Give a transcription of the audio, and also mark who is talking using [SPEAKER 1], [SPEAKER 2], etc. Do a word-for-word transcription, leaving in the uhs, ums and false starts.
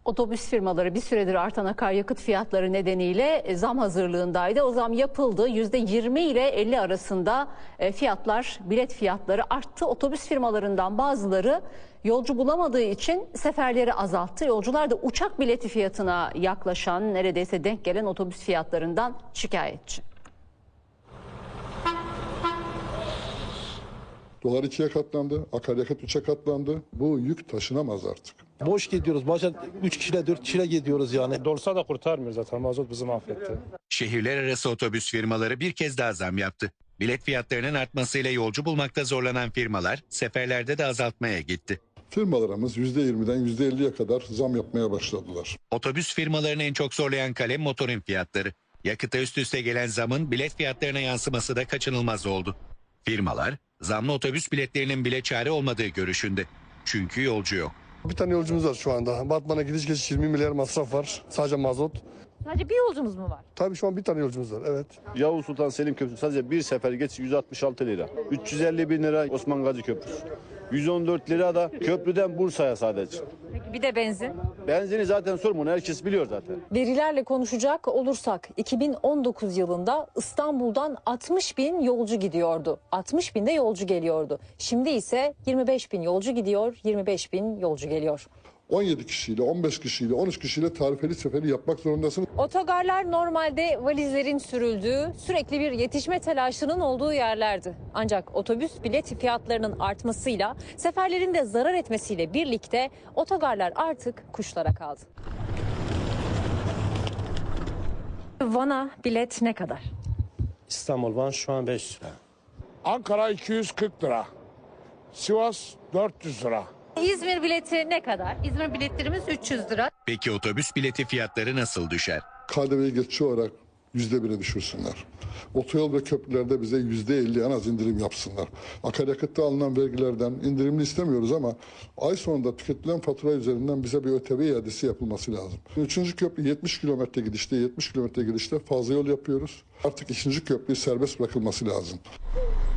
[SPEAKER 1] Otobüs firmaları bir süredir artan akaryakıt fiyatları nedeniyle zam hazırlığındaydı. O zam yapıldı. yüzde yirmi ile elli arasında fiyatlar, bilet fiyatları arttı. Otobüs firmalarından bazıları yolcu bulamadığı için seferleri azalttı. Yolcular da uçak bileti fiyatına yaklaşan, neredeyse denk gelen otobüs fiyatlarından şikayetçi.
[SPEAKER 2] Dolar ikiye katlandı, akaryakıt üçe katlandı. Bu yük taşınamaz artık.
[SPEAKER 3] Boş gidiyoruz. Bazen üç kişiyle dört kişiyle gidiyoruz yani.
[SPEAKER 4] Dorsa da kurtarmıyor zaten. Mazot bizi mahvetti.
[SPEAKER 5] Şehirler arası otobüs firmaları bir kez daha zam yaptı. Bilet fiyatlarının artmasıyla yolcu bulmakta zorlanan firmalar seferlerde de azaltmaya gitti.
[SPEAKER 2] Firmalarımız yüzde yirmiden yüzde elliye kadar zam yapmaya başladılar.
[SPEAKER 5] Otobüs firmalarını en çok zorlayan kalem motorun fiyatları. Yakıta üst üste gelen zamın bilet fiyatlarına yansıması da kaçınılmaz oldu. Firmalar zamlı otobüs biletlerinin bile çare olmadığı görüşünde. Çünkü yolcu yok.
[SPEAKER 6] Bir tane yolcumuz var şu anda. Batman'a gidiş geliş yirmi milyar masraf var. Sadece mazot.
[SPEAKER 7] Sadece bir yolcumuz mu var?
[SPEAKER 6] Tabii şu an bir tane yolcumuz var, evet.
[SPEAKER 8] Yavuz Sultan Selim Köprüsü sadece bir sefer geç yüz altmış altı lira. üç yüz elli bin lira Osman Gazi Köprüsü. yüz on dört lira da köprüden Bursa'ya sadece.
[SPEAKER 7] Peki bir de benzin.
[SPEAKER 8] Benzini zaten sorma, herkes biliyor zaten.
[SPEAKER 9] Verilerle konuşacak olursak iki bin on dokuz yılında İstanbul'dan altmış bin yolcu gidiyordu. altmış bin de yolcu geliyordu. Şimdi ise yirmi beş bin yolcu gidiyor, yirmi beş bin yolcu geliyor.
[SPEAKER 2] on yedi kişiyle, on beş kişiyle, on üç kişiyle tarifeli seferi yapmak zorundasınız.
[SPEAKER 9] Otogarlar normalde valizlerin sürüldüğü, sürekli bir yetişme telaşının olduğu yerlerdi. Ancak otobüs bilet fiyatlarının artmasıyla, seferlerin de zarar etmesiyle birlikte otogarlar artık kuşlara kaldı. Van'a bilet ne kadar?
[SPEAKER 4] İstanbul Van şu an beş yüz lira.
[SPEAKER 10] Ankara iki yüz kırk lira. Sivas dört yüz lira.
[SPEAKER 7] İzmir bileti ne kadar? İzmir biletlerimiz üç yüz lira.
[SPEAKER 5] Peki otobüs bileti fiyatları nasıl düşer?
[SPEAKER 2] K D V'yi geçici olarak yüzde bire düşürsünler. Otoyol ve köprülerde bize yüzde elli en az indirim yapsınlar. Akaryakıtta alınan vergilerden indirimli istemiyoruz ama ay sonunda tüketilen fatura üzerinden bize bir ÖTV iadesi yapılması lazım. Üçüncü köprü yetmiş kilometre gidişte, yetmiş kilometre gidişte fazla yol yapıyoruz. Artık ikinci köprü serbest bırakılması lazım.